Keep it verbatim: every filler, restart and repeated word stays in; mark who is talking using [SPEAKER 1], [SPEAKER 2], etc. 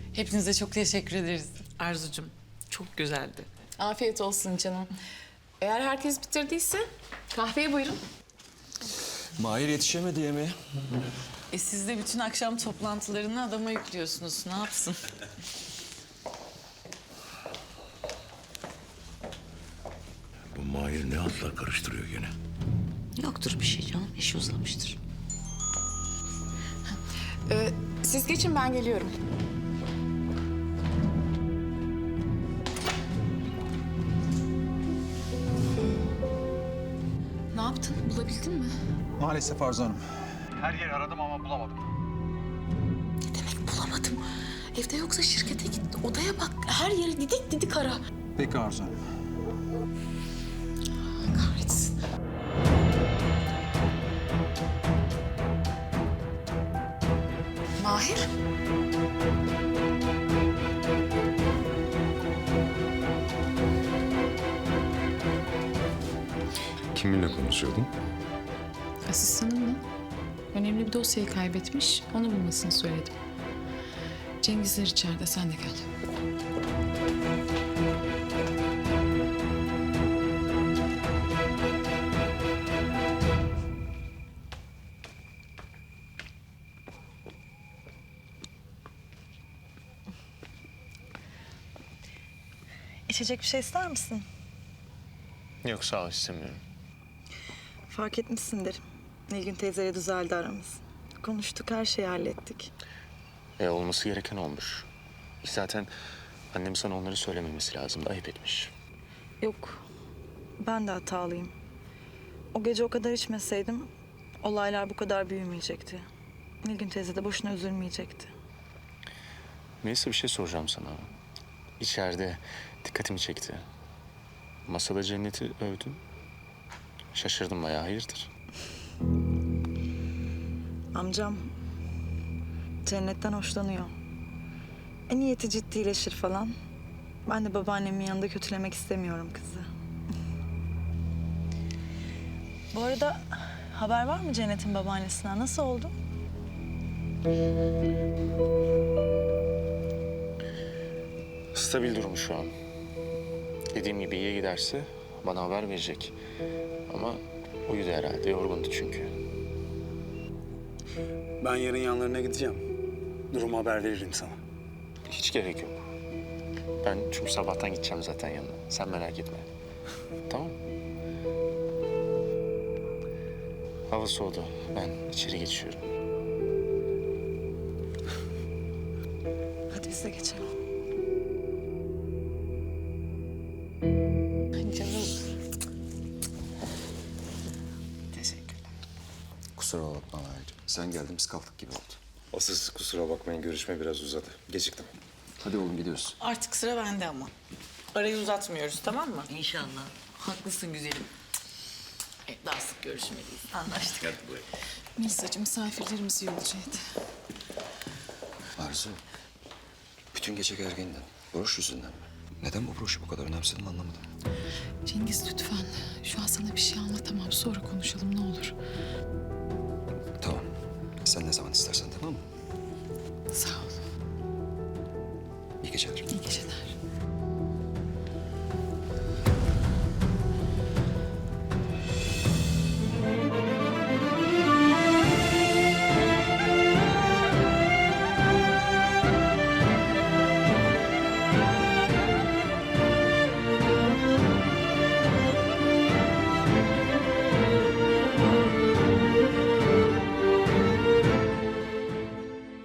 [SPEAKER 1] Hepinize çok teşekkür ederiz.
[SPEAKER 2] Arzucuğum çok güzeldi.
[SPEAKER 3] Afiyet olsun canım. Eğer herkes bitirdiyse kahveye buyurun.
[SPEAKER 4] Mahir yetişemedi yemeğe.
[SPEAKER 1] E siz de bütün akşam toplantılarını adama yüklüyorsunuz. Ne yapsın?
[SPEAKER 4] Bu Mahir ne hatlar karıştırıyor gene?
[SPEAKER 5] Yoktur bir şey canım. İşi uzamıştır.
[SPEAKER 3] Ee, siz geçin, ben geliyorum. Ne yaptın? Bulabildin mi?
[SPEAKER 6] Maalesef Arzu Hanım.
[SPEAKER 7] Her yeri aradım ama bulamadım.
[SPEAKER 3] Ne demek bulamadım? Evde yoksa şirkete git. Odaya bak. Her yeri didik didik ara.
[SPEAKER 6] Peki Arzu Hanım.
[SPEAKER 3] Kahretsin. Mahir?
[SPEAKER 4] Kiminle konuşuyordun?
[SPEAKER 8] Asistanımla önemli bir dosyayı kaybetmiş, onu bulmasını söyledim. Cengizler içeride, sen de gel.
[SPEAKER 9] İçecek bir şey ister misin?
[SPEAKER 10] Yok sağ ol istemiyorum.
[SPEAKER 9] Fark etmişsindir. Nilgün teyzeyle düzeldi aramız. Konuştuk, her şeyi hallettik.
[SPEAKER 10] E olması gereken olmuş. Zaten annem sana onları söylememesi lazımdı. Ayıp etmiş.
[SPEAKER 9] Yok, ben de hatalıyım. O gece o kadar içmeseydim olaylar bu kadar büyümeyecekti. Nilgün teyze de boşuna üzülmeyecekti.
[SPEAKER 10] Neyse bir şey soracağım sana. İçeride dikkatimi çekti. Masada Cennet'i övdün. Şaşırdım bayağı, hayırdır?
[SPEAKER 9] Amcam Cennet'ten hoşlanıyor. E niyeti ciddileşir falan. Ben de babaannemin yanında kötülemek istemiyorum kızı. Bu arada haber var mı Cennet'in babaannesinden? Nasıl oldu?
[SPEAKER 10] Stabil durum şu an. Dediğim gibi iyi giderse bana haber verecek. Ama uyudu herhalde, yorgundu çünkü.
[SPEAKER 7] Ben yarın yanlarına gideceğim. Durumu haber veririm sana.
[SPEAKER 10] Hiç gerek yok. Ben çünkü sabahtan gideceğim zaten yanına. Sen merak etme. Tamam. Hava soğudu. Ben içeri geçiyorum.
[SPEAKER 9] Hadi biz de geçelim.
[SPEAKER 1] Canım. Teşekkürler.
[SPEAKER 4] Kusura bakma Mahir'cim. Sen geldin biz kalktık gibi oldu.
[SPEAKER 11] Asıl siz kusura bakmayın, görüşme biraz uzadı. Geciktim.
[SPEAKER 4] Hadi oğlum gidiyoruz.
[SPEAKER 2] Artık sıra bende ama. Arayı uzatmıyoruz, tamam mı?
[SPEAKER 5] İnşallah.
[SPEAKER 2] Haklısın güzelim. Evet, daha sık görüşmeliyiz.
[SPEAKER 5] Anlaştık.
[SPEAKER 11] Hadi buyurun.
[SPEAKER 8] Melisa'cığım, misafirlerimiz yolcu et.
[SPEAKER 4] Arzu, bütün gece gergindin. Broş yüzünden mi? Neden bu broşu bu kadar önemsedin anlamadım.
[SPEAKER 8] Cengiz lütfen, şu an sana bir şey anlatamam. Sonra konuşalım ne olur.
[SPEAKER 4] Tamam. Sen ne zaman istersen tamam mı?
[SPEAKER 8] Sağ ol.
[SPEAKER 4] İyi geceler.
[SPEAKER 8] İyi geceler.